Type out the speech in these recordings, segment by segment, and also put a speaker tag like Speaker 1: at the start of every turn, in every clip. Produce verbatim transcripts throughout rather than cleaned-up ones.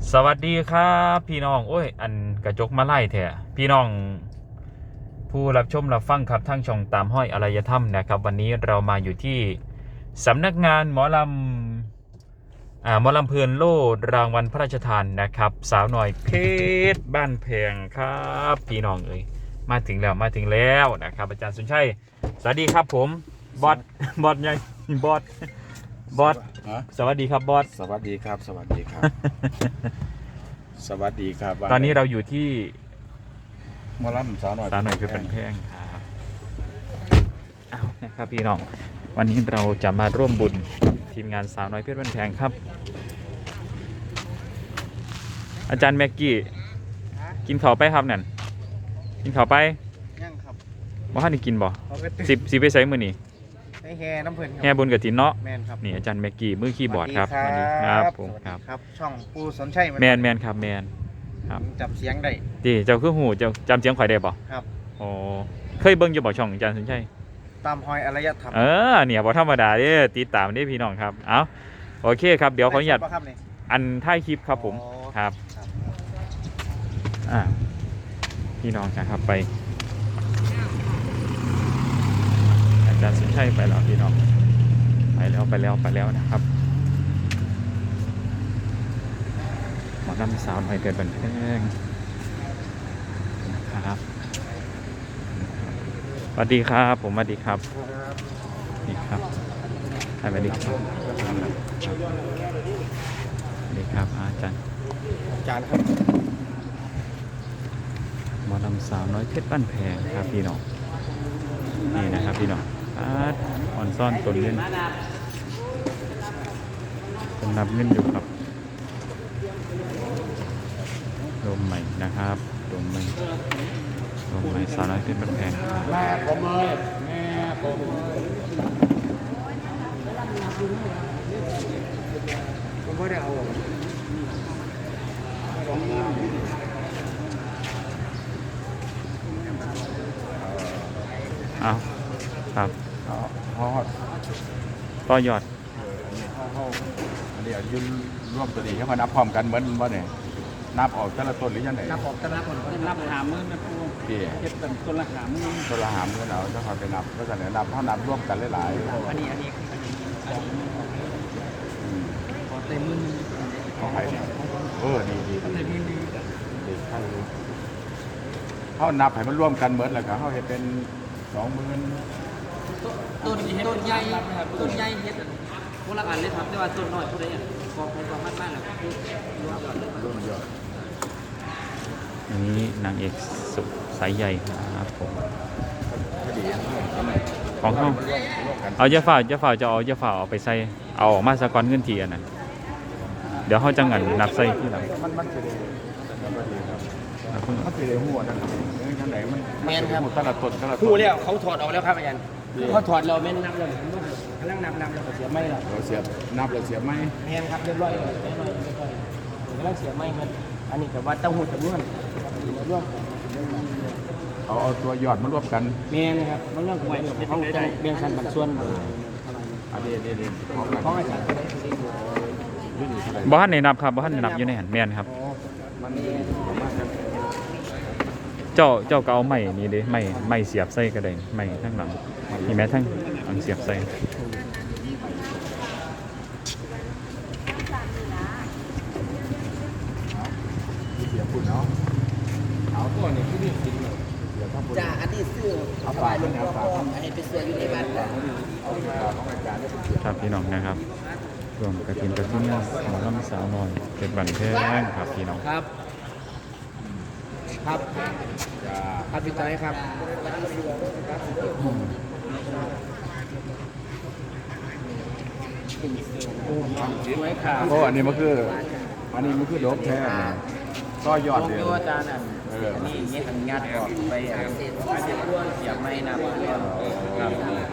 Speaker 1: สวัสดีครับพี่น้องโอ้ยอันกระจกมาไล่แท้พี่น้องผู้รับชมรับฟังครับทั้งช่องตามห้อยอารยธรรมนะครับวันนี้เรามาอยู่ที่สำนักงานหมอลำอ่าหมอลำเพลินโล่รางวัลพระราชทานนะครับสาวหน่อยเพชรบ้านแพงครับพี่น้องเอ้ยมาถึงแล้วมาถึงแล้วนะครับอาจารย์สุนชัยสวัสดีครับผมบอสบอสใหญ่บอสบอสสวัสดีครับบอส
Speaker 2: สวัสดีครับสวัสดีครับ สวัสดีครับ
Speaker 1: ตอนนี้เราอยู่ที่
Speaker 2: มอลำสาวหน่อย
Speaker 1: สาวหน่อยคือเป็นแพงครับอ้าวนะครับพี่น้องวันนี้เราจะมาร่วมบุญทีมงานสาวน้อยเพชรบ้านแพงครับอาจารย์แม็กกี้กินข้าวไปครับนั่นกินข้าวไป
Speaker 3: ยังครับ
Speaker 1: ว่าท่านได้กินบ่สิบสิบไปใส่มือนี่
Speaker 3: ให้แห่น้ำเพลิน
Speaker 1: แห่บุญกับถินเนาะ
Speaker 3: แมนครับ
Speaker 1: นี่อาจารย์แม็กกี้มือคีย์บอร์ดครับ
Speaker 3: สวัสดี
Speaker 1: ครับ
Speaker 3: ครับ
Speaker 1: ผมครับ
Speaker 3: ครับช่องปูสนชัย
Speaker 1: แมนแมนครับแมนครับ
Speaker 3: จำเสียงได้
Speaker 1: ดีเจ้าคือหูเจ้าจำเสียงข่อยได้บ่
Speaker 3: ครับ
Speaker 1: โอ้เคยเบิ่งอยู่บ่ช่องอาจารย์สนชัย
Speaker 3: ตามหอยอารยธรรม
Speaker 1: เออเนี่ยบ่ธรรมดาเด้ติดตามเด้พี่น้องครับเอาโอเคครับเดี๋ยวขออนุญาตอันท้ายคลิปครับผมครับอ่าพี่น้องครับไปอาจารย์สุนชัยไปแล้วพี่น้องไปแล้วไปแล้วไปแล้วนะครับหมอลำสาวหน่อยเกิดบันเทิงนะครับสวัสดีครับผมสวัสดีครับนี่ครับสวัสดีครับสวัสดีครับอาจารย์
Speaker 3: อาจารย์ครับ
Speaker 1: หมอลำสาวน้อยเพชรบ้านแพงครับพี่น้องนี่นะครับพี่น้องอาดอ่อนซ่อนตนเล่นตนนับเงินอยู่ครับลมใหม่นะครับลมใหม่ลมใหม่สาวน้อยเพชรบ้านแพง
Speaker 2: แม่ผมเลยแม่ผม
Speaker 3: ผมไม่ได้เอา
Speaker 1: เอาครับ
Speaker 2: เขาเขา
Speaker 1: ต่อยอด
Speaker 2: เขาอันนี้ยืนร่วมตัวนี้เขามานับพร้อมกันเหมือนว่าเนี่ยนับออกแต่ละต้นหรือยังไง
Speaker 3: นับออกแต่ละคนนับหามือนะครูเก็บเป็นต้นละหามือ
Speaker 2: ต้นละหามือเราจะคอยไปนับก็จะเนี่ยนับเขานับร่วมกันหลาย
Speaker 3: ๆอันนี้อันนี้ขอเต็มมือ
Speaker 2: เขาใครเนี่ยเออดีดีดีดีใช่เขานับให้มันร่วมกันเหมือนเลยครับเขาเห็นเป็นสองหมื่น
Speaker 3: ต้นต้นใหญ่ต้นใหญ่เฮ็ดพวกละอันเลยครับแต่ว่าต้นน้อยพวกนี้กองเป็นกองมากๆแหละคือรวมยอดเลยรวมยอด
Speaker 1: อันนี้นางเอกสุสายใหญ่ครับผมของเขาเอาเยาฝ่าเยาฝ่าจะเอาเยาฝ่าเอาไปใส่เอาออกมาสะก้อนเงินทีอันนั้นเดี๋ยวเขาจะงันนับใส่ที่หลัง
Speaker 2: มันมันจะได้มันจะได้หัวนั่นข้างไหนมัน
Speaker 3: แม่นครับ
Speaker 2: ตลาดต้นตลาด
Speaker 3: คู่แล้วเขาถอดออกแล้วครับอาจารย์เขาถอดเราแม่นนับเลยกำลังนับนับเราเสียไม่หรอก
Speaker 2: เราเสียนับเราเสียไม่
Speaker 3: แม่นครับเรียบร้อยเลยเรียบร้อยกำลังเสียไม่มันอันนี้แต่ว่าเต้าหู้จำนวนร่วม
Speaker 2: เอาเอาตัวยอดมารวมกัน
Speaker 3: แม่นครับมันเรื่องหวยเขาจะเรียงคันบัตรส่วน
Speaker 2: อันนี้เด็ด
Speaker 3: ๆของอาจารย์
Speaker 1: บ้านในนับครับบ้านในนับอยู่ในหันแมนครับเจ้าเจ้าก็เอาไม้นี่ดิไม้ไม้เสียบใส่ก็ได้ไม้ทั้งหลังมีแม้ทั้งหลังเสียบใส่
Speaker 2: เสียบปุ่นเนาะเอาตัวนี้ที่นี่จริงเลย
Speaker 3: จ่าอันนี้ซื้อเอาไปลงพ่อพ่อให้ไปเสืออยู่ในบ้าน
Speaker 1: ครับพี่น้องนะครับรวมกระถิ่นกระถิ่นหมอลำสาวน้อยเป็นบันเทิงครับพี่น้อง
Speaker 3: ครับครับครับพี่ใจครับ
Speaker 2: โอ้อันนี้มันคืออันนี้มันคือโดบแท้ก็ยอดเลย
Speaker 3: อาจารย์อ่ะอันนี้เงี้ยอันงัดออกไปอาเสียบไม่นะ
Speaker 1: ครับ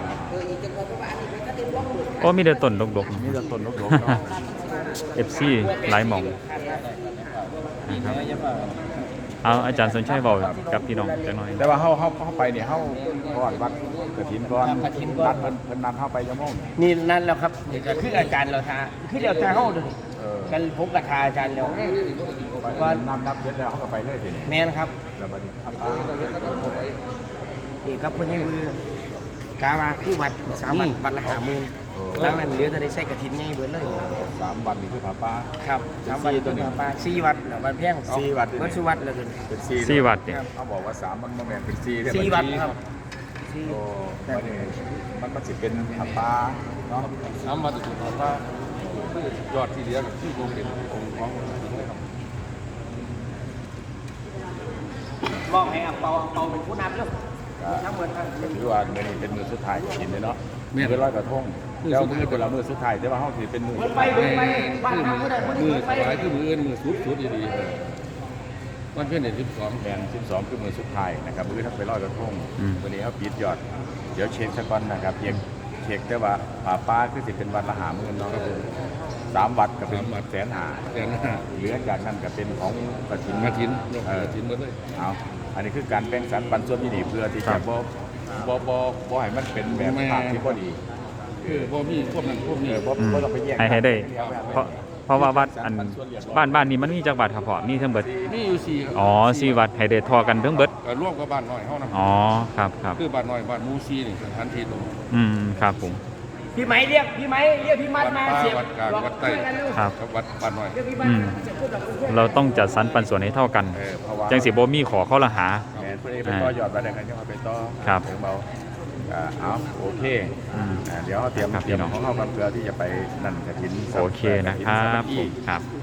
Speaker 1: โอ้มีแต่ต้นดกๆ
Speaker 2: มีแต่ต้นดกๆเนาะ
Speaker 1: เอฟ ซี หลายหม่องนะครับเอาอาจารย์สนชัยบอกกับพี่น้องจังหน่อย
Speaker 2: แต่ว่าเฮาเฮาเฮาไปเนี่ยเฮาก่อนวัดกฐินก่อนนัดเพิ่นเพิ่นนัดเฮาไปยะม่ง
Speaker 3: นี่นั่นแล้วครับเดี๋ยวจะคืออาจารย์เราทาคือเดี๋ยวจะเฮา
Speaker 2: อ
Speaker 4: กันพบกับทาอาจารย์แล้ว
Speaker 2: ว่าน้ำนับเสร็จแล้วเขาก็ไปเลยทีนี้
Speaker 4: แม่นครับ
Speaker 2: แล้วบัดนี้ทำตาม
Speaker 4: นี่ครับเพิ่นให้มือกาว่าคือวัดสามวันวัดละห้าหมื่นแล้วนั้นเหลือจะได้ใช้กฐินใหญ่เบิดเลย
Speaker 2: สามวันนี่คือผาป้า
Speaker 4: ครับสามวัน
Speaker 2: สี่ตั
Speaker 4: ตัว ว
Speaker 2: นี้
Speaker 4: นี้ปลาสี่วัดแล้ววัดแพง
Speaker 2: สี่วัด
Speaker 4: วัดสุวัดแล้วกัน
Speaker 2: เป็นสี่
Speaker 1: สี่วัดเนี่ย
Speaker 2: เขาบอกว่าสามมันโมเมนเป็นสี่ได้
Speaker 4: สี่วัดครับสี่
Speaker 2: โอ้มันนี่มันก็จะเป็นผาป้าเนาะ
Speaker 5: สามวันจะถูกว่ายอดที่เหลือกับที่โรงเรียนองค์ของครับ
Speaker 4: มองให้อังเปาอังเปาเป็นผู้นำเรื่องทั้งหมดทั้ง
Speaker 2: ก็ถือว่ามือนี้เป็นมือสุดท้ายกินเลยเนาะมือร้อยกระทงแล้วมือเป็นละมือสุดท้ายแต่ว่าเขาถือเป็นมือสุด
Speaker 4: ไป
Speaker 2: ท้าย
Speaker 4: ไปบ้านทางผู้ใดผู้หนึ่
Speaker 5: มื
Speaker 4: ง
Speaker 5: อ
Speaker 4: ไป
Speaker 5: สายคือมืออื่นมือสุดสุดดีๆวันเพ็ญเดือนสิบสอง
Speaker 2: แมนสิบสองคือมือสุดท้ายนะครับมือถ้าไปร้อยกระทง
Speaker 1: อืม
Speaker 2: วันนี้เขาปิดยอดเดี๋ยวเช็คสักก่อนนะครับเช็คเช็คได้ว่าผาป้าคือสิเป็นวันละหาหมื่นเนาะครับผมสามวัดก็เป็นแสนหา
Speaker 5: แต่หน้า
Speaker 2: เหลือจากนั้นก็เป็นของกระถิน
Speaker 5: มาทินยก
Speaker 2: เออก
Speaker 5: ระถินหมดเลย
Speaker 2: เอาอันนี้คือการแบ่งสรรปันส่วนที่ดีเพื่อที่จะบ่บ่บ่บ่ให้มันเป็นแบบภาพที่บ่ดี
Speaker 5: คือพวกมีพวกนั้นพวก
Speaker 2: เอ
Speaker 5: นี้
Speaker 2: อบ่บ่ต้องไปแยก
Speaker 1: ให้ให้ได้
Speaker 2: เยวแบบ
Speaker 1: เพราะเพราะว่าวัดอันบ้านบ้านนี้มันมีจักวัดครับพ่อมีทั้งเบิด
Speaker 5: มีอยู่สี่ครับ
Speaker 1: อ๋อสี่วัดให้ได้ทอกันทั้งเบิด
Speaker 5: ก็ร่วมกับบ้านน้อยเฮานะ
Speaker 1: อ๋อครับครับ
Speaker 5: คือบ้านน้อยบ้านมูซีนี่สถานที่ตรง
Speaker 1: อืมครับผม
Speaker 4: พี่ไหมเรียกพี่ไหมเรียกพี่มัด
Speaker 5: วัด
Speaker 4: มา
Speaker 5: ป้า
Speaker 4: เสียบ
Speaker 5: วัดกลางวัดใต้
Speaker 1: ครับ
Speaker 5: กับวัดบ้านน้อย
Speaker 4: เรียกพี่มัด
Speaker 1: อืม
Speaker 4: เสียบพูดกับเพื่อน
Speaker 1: เราต้องจัดสรรปันส่วนให้เท่ากัน
Speaker 2: เออเพราะว่า
Speaker 1: จังสิบ่มีขอเข้าละหา
Speaker 2: แม่นเพิ่นเองไปต่อยอดไปได้กันจังว่าไปต่อ
Speaker 1: ครับ
Speaker 2: ถึงเบาอ่าเอาโอเค
Speaker 1: อืม
Speaker 2: อ่าเดี๋ยวเขาเตรียม
Speaker 1: ครับ
Speaker 2: เตรียม
Speaker 1: พี่น้อง
Speaker 2: ของเข้ากันเพื่อที่จะไปนั่นกระถิน
Speaker 1: โอเคนะครับผมครับ